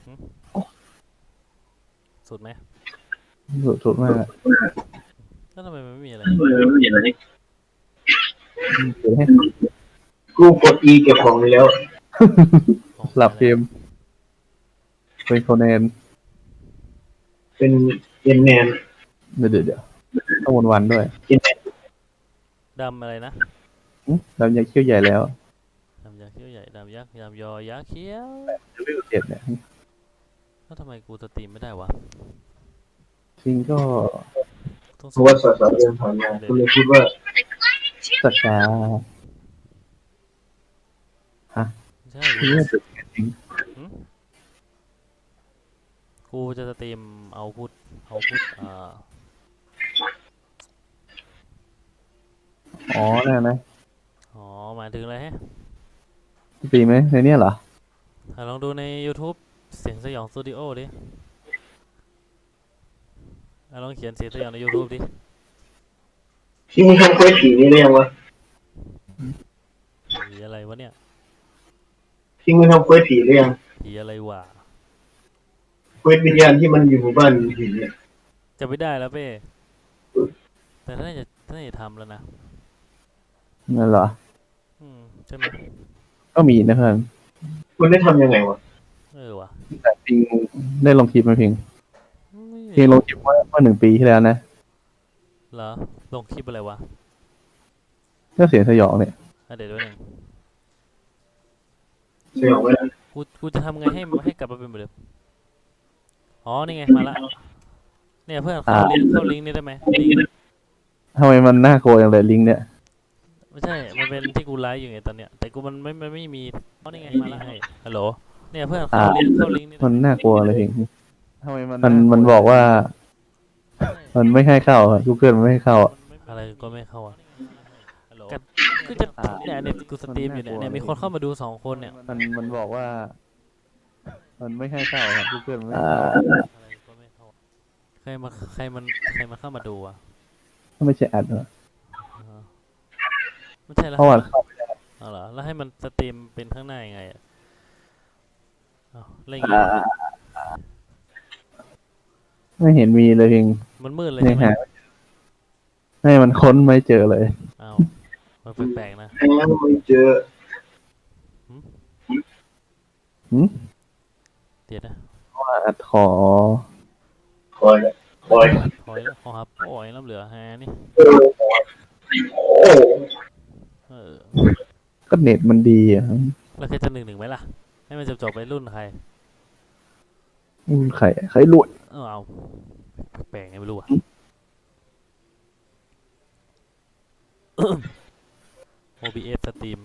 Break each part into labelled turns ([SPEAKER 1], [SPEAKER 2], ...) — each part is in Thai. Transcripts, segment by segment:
[SPEAKER 1] หึสุดไหม
[SPEAKER 2] สุดมาก
[SPEAKER 1] แล้วทำไมมันไม่มีอะไร
[SPEAKER 3] ไม่เห็นอะไร
[SPEAKER 2] เดี๋ยวให้
[SPEAKER 3] กูกด E เก็บของไปแล้ว
[SPEAKER 1] ของ
[SPEAKER 2] หลับเก
[SPEAKER 1] เสีย
[SPEAKER 2] มเป็นโคแนน
[SPEAKER 3] เป็นเอ็นแนน
[SPEAKER 2] เดี๋ยวต้องวันด้วย
[SPEAKER 3] เอ็นแนน
[SPEAKER 1] ดำอะไรนะ
[SPEAKER 2] เรายังเขี้ยวใหญ่แล้ว
[SPEAKER 1] ดำยักษ์เขี้ยวใหญ่ดำยักษ์ยำยอยักษ์เขี้ยว
[SPEAKER 2] เลเวล7เนี่ย
[SPEAKER 1] แล้วทำไมกูสตรีมไม่ได้วะ
[SPEAKER 2] จริงก็
[SPEAKER 1] ต้อง
[SPEAKER 3] เพราะว่าสสเดินผ่านมากูเลยคิดว่า
[SPEAKER 2] สักกาฮะ
[SPEAKER 1] ใช่
[SPEAKER 2] ที่นี่สุดจริง
[SPEAKER 1] กูจะสตรีมเอาพุท
[SPEAKER 2] อ๋อนั่นนะ
[SPEAKER 1] อ๋อหมายถึงอะไรฮะ
[SPEAKER 2] ปีไหมในเนี้ยเหรอ
[SPEAKER 1] ลองดูใน YouTube เสียงสยองสตูดิโอดิลองเขียนเสียงสยองใน YouTube ดิ
[SPEAKER 3] ที่มึงทำเควสผีนี่ได้ยังวะ
[SPEAKER 1] ผีอะไรวะเนี่ย
[SPEAKER 3] ที่มึงทำเควสผีได้ยัง
[SPEAKER 1] ผีอะไรวะ
[SPEAKER 3] เควสวิญญาณที่มันอยู่หมู่บ้านผีเนี่ย
[SPEAKER 1] จะไม่ได้แล้วเป้แต่ถ้าจะทำแล้วนะ
[SPEAKER 2] นั่นเหรอ
[SPEAKER 1] ใช่ไหม
[SPEAKER 2] ก็มีนะเพื่อน
[SPEAKER 3] คุณได้ทำยังไงวะ
[SPEAKER 1] วะ
[SPEAKER 2] แต่พิงได้ลงคลิปไหมพิงลงคลิปว่า1 ปีที่แล้วนะ
[SPEAKER 1] เหรอลงคลิปอะไรวะ
[SPEAKER 2] ก็เสียงสยองเนี่ย
[SPEAKER 1] เดี๋ยวด้วยหนึ่ง
[SPEAKER 3] สยองไหม
[SPEAKER 1] กูจะทำไงให้กลับมาเป็นเหมือนเดิมอ๋อนี่ไงมาละเนี่ยเพื่อนเข้าลิงก์นี่ได้ไหมลิงก์
[SPEAKER 2] ทำไมมันน่ากลัวอย่างไรลิงก์เนี่ย
[SPEAKER 1] ไม่ใช่มันเป็นที่กูไลฟ์อยู่ไงตอนเนี้ยแต่กูมันไม่มีอ๋อนี่ไงมาละฮัลโหลเนี่ยเพื่อนเข้าลิงก์นี่
[SPEAKER 2] มันน่ากลัวเลยพิงทำไมมันบอกว่ามันไม่ให้เข้าทุกเพื่อนมันไม่ให้เข้า
[SPEAKER 1] อะไรก็ไม่เข้าอ่ะก็จะเนี่ยกูสตรีมอยู่เนี่ยมีคนเข้ามาดู2 คนเนี่ย
[SPEAKER 2] มันบอกว่ามันไม่ให้เข้าครับทุกเพื่อนไม่ให้เข้า
[SPEAKER 1] อะไรก็ไม่เข้าใครมาเข้ามาดูอ่ะ
[SPEAKER 2] ไม่ใช่อัดเหรอ
[SPEAKER 1] ไม่ใช่แล้ว
[SPEAKER 2] เพราะว่าเข้าไม่ได้
[SPEAKER 1] เอาเหรอแล้วให้มันสตรีมเป็นข้างหน้ายังไงอ่ะอะไรอย่างเงี้ย
[SPEAKER 2] ไม่เห็นมีเลยพิง
[SPEAKER 1] มันมืดเลยใช่ไหม
[SPEAKER 2] ให้มันค้นไม่เจอเลย
[SPEAKER 1] อ้าวมันแปลกๆนะ
[SPEAKER 3] ไม่เจอ
[SPEAKER 1] เดี๋ยวนะ
[SPEAKER 2] ว่าขอ
[SPEAKER 3] คอยแล้ว
[SPEAKER 1] ครับปล่อยน้ำเหลือฮะนี่
[SPEAKER 2] ก็เน็ตมันดีอ่ะ
[SPEAKER 1] แล้วใครจะ1-1ไหมล่ะให้มันจบไปรุ่นใคร
[SPEAKER 2] ใครรวย
[SPEAKER 1] เอาแปลกไงไม่รู้อ่ะOBS สตรีม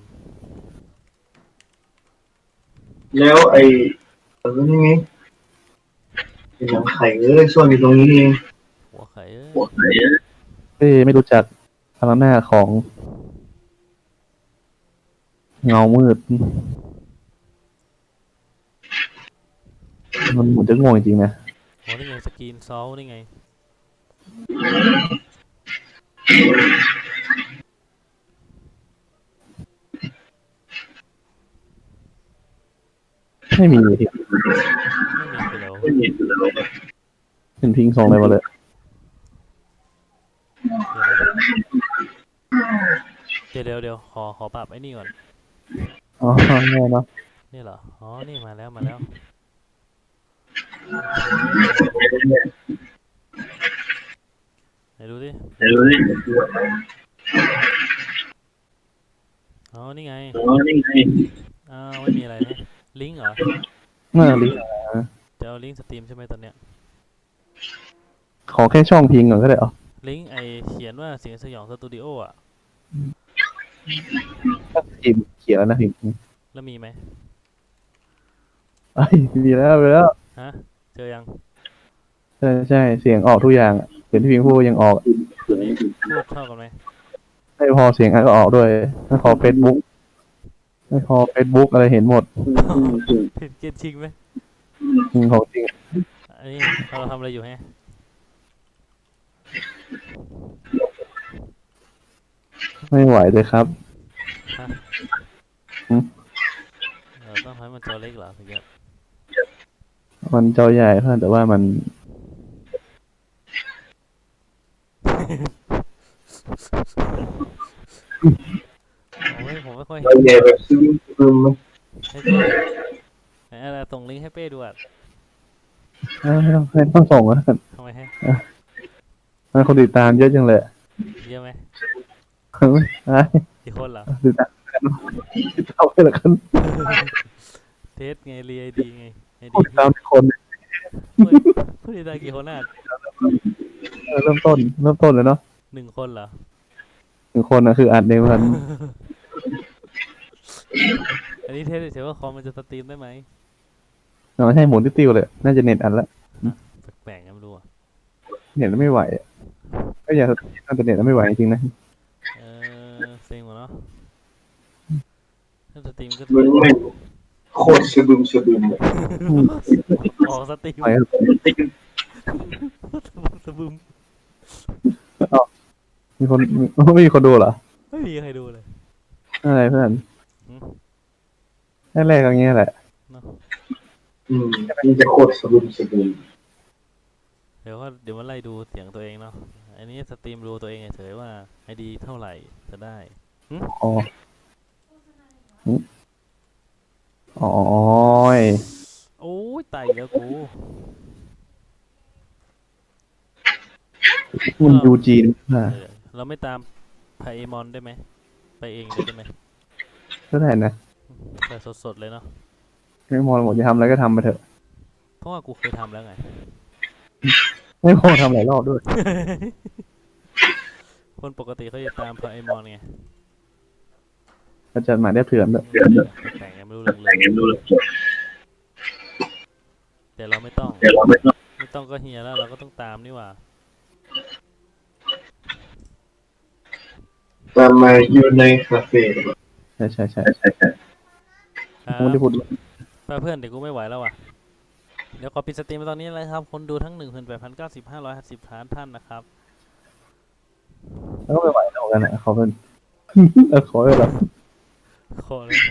[SPEAKER 3] แล้วไอ้นี่ไงเป็นหนังไข่ซ่อนอยู่ตรงนี้เอง
[SPEAKER 1] หัวไข่
[SPEAKER 2] ไม่รู้จักพลังหน้าของเงามืดมันเหมือนจะงงจริงๆนะ
[SPEAKER 1] โอ้นี่ไงสกรีนซอลนี่ไง
[SPEAKER 2] ไม่มีที่เห็นพิงส่งอะไรมาเลย
[SPEAKER 1] เดี๋ยวขอปรับไอ้นี่ก่อน
[SPEAKER 2] อ๋อแน่เนาะ
[SPEAKER 1] นี่เหรออ๋อนี่มาแล้วไหนดูดิอ๋อนี่ไงไม่มีอะไรนะลิงก์เหรอ
[SPEAKER 2] ลิงก์
[SPEAKER 1] จะเอาลิงก์สตรีมใช่ไหมตอนเนี้ย
[SPEAKER 2] ขอแค่ช่องพิงก่อนก็ได้เหรอ
[SPEAKER 1] ลิงก์เขียนว่าเสียงสยองสตูดิโออ่ะ
[SPEAKER 2] พิมเขียนแล้วนะพิง
[SPEAKER 1] แล้วมีไหม
[SPEAKER 2] มีแล้ว
[SPEAKER 1] ฮะเจอยัง
[SPEAKER 2] ใช่เสียงออกทุกอย่างเสียงที่พิงพูดยังออก
[SPEAKER 1] พูดเท่ากันไหม
[SPEAKER 2] ไม่พอเสียงก็ออกด้วยไม่พอเฟซบุ๊กอะไรเห็นหมด
[SPEAKER 1] เห็นเกณฑ์จริงไหม
[SPEAKER 2] ของจริง
[SPEAKER 1] อันนี้เราทำอะไรอยู่ฮะ
[SPEAKER 2] ไม่ไหวเลยครับ
[SPEAKER 1] ต้องให้มันจอเล็กเหรอถึงจะ
[SPEAKER 2] มันจอใหญ่เพื่อนแต่ว่ามัน
[SPEAKER 1] ผมไม่ค่อย
[SPEAKER 3] เรา
[SPEAKER 1] เห็น
[SPEAKER 3] ใหญ่แบบซึมมั้ย
[SPEAKER 1] ให้เป้ไหนอะไรส่งลิงก์ให้เป้ดูอ่ะ
[SPEAKER 2] ไม่ต้องส่งแล้วกัน
[SPEAKER 1] ทำไมให้
[SPEAKER 2] มันคนติดตามเยอะจังเลย
[SPEAKER 1] เยอะไหม
[SPEAKER 2] ไอ้
[SPEAKER 1] กี่คนเหรอ
[SPEAKER 2] ติดตามติดตามไปละกัน
[SPEAKER 1] เทสไงรีไอดีไงไอ
[SPEAKER 2] คน
[SPEAKER 1] ดี
[SPEAKER 2] ติดตามคน
[SPEAKER 1] ผู้ติดตามกี่คนอ่ะ
[SPEAKER 2] เริ่มต้นเลยเนาะ
[SPEAKER 1] 1 คนเหรอ
[SPEAKER 2] 1 คนนะคืออัดในวัน
[SPEAKER 1] อันนี้เทสเฉยๆว่าคอมมันจะสตรีมได้ไหม
[SPEAKER 2] เราให้หมุนติ้วๆเลย น่าจะเน็ตอันละ
[SPEAKER 1] แปลกๆนะไม่รู้อ่ะ
[SPEAKER 2] เน็ตไม่ไหวอะก็อยากน่าจะเน็ตไม่ไหวจริงๆนะ
[SPEAKER 1] เซ็งหมดเนาะถ้าสตรีมก็
[SPEAKER 3] มันไม่โคตรซึมเลย
[SPEAKER 1] ออกสตรีม
[SPEAKER 2] ไหวครับ
[SPEAKER 1] สบึม
[SPEAKER 2] ไม่มีคนดูเหรอ
[SPEAKER 1] ไม่มีใครดูเลย
[SPEAKER 2] อะไรเพื่อน
[SPEAKER 1] หืม
[SPEAKER 2] แรกๆอย่างเงี้ยแหละ
[SPEAKER 1] เนาะ
[SPEAKER 3] มันจะโคตรซึม
[SPEAKER 1] เดี๋ยวมาไล่ดูเสียงตัวเองเนาะอันนี้สตรีมดูตัวเองเฉยๆว่าไอดีเท่าไหร่จะได้
[SPEAKER 2] อ๋ออ๋อ
[SPEAKER 1] โอ้ยตายแล้วกู
[SPEAKER 2] มันยูจีนอ่ะ
[SPEAKER 1] เราไม่ตามไพเอมอนได้ไหมไปเองเลยได้ไหม
[SPEAKER 2] ก็ได้นะ
[SPEAKER 1] แต่สดๆเลยเนาะ
[SPEAKER 2] ไม่มองหมดจะทำอะไรก็ทำไปเถอะ
[SPEAKER 1] เพราะว่ากูเคยทำแล้วไง
[SPEAKER 2] ไม่พอทำหลายรอบด้วย
[SPEAKER 1] คนปกติเขาจะตามไพเอมอนไง
[SPEAKER 2] ก็จะหมายได้เถื่อนแบบ
[SPEAKER 1] แต่งไงไม่รู้เรื่องเลยแต่เราไม่ต้อง ไม่ต้องก็เฮียแล้วเราก็ต้องตามนี่หว่า
[SPEAKER 3] ๆตามมาอยู่ในคาเฟ่
[SPEAKER 2] ใช่
[SPEAKER 1] ครับ
[SPEAKER 2] ผมไม่ได้พูด
[SPEAKER 1] ไปเพื่อนเดี๋ยวกูไม่ไหวแล้วว่ะ เดี๋ยวขอปิดสตรีมไปตอนนี้เลยครับ คนดูทั้ง 18,090 ท่านนะครับ
[SPEAKER 2] แล้วก็ไม่ไหวแล้วกันนะขอเป็น ขอเลยเหรอ
[SPEAKER 1] ขอเลย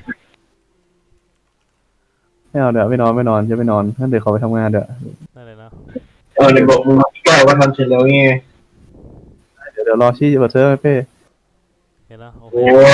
[SPEAKER 2] ไม่เอาเดี๋ยวไม่นอนจะไม่นอนงั้นเดี๋ยวขอไปทำงานเดี๋ยว
[SPEAKER 1] ได้เลยเนาะ
[SPEAKER 3] ในบอกมึงแก้ว่าทำเสร็จแล้วไง
[SPEAKER 2] เดี๋ยวรอชี้เปิดเซิร์ฟให้เป้
[SPEAKER 1] เห็นแล้วโอเค
[SPEAKER 3] โอ้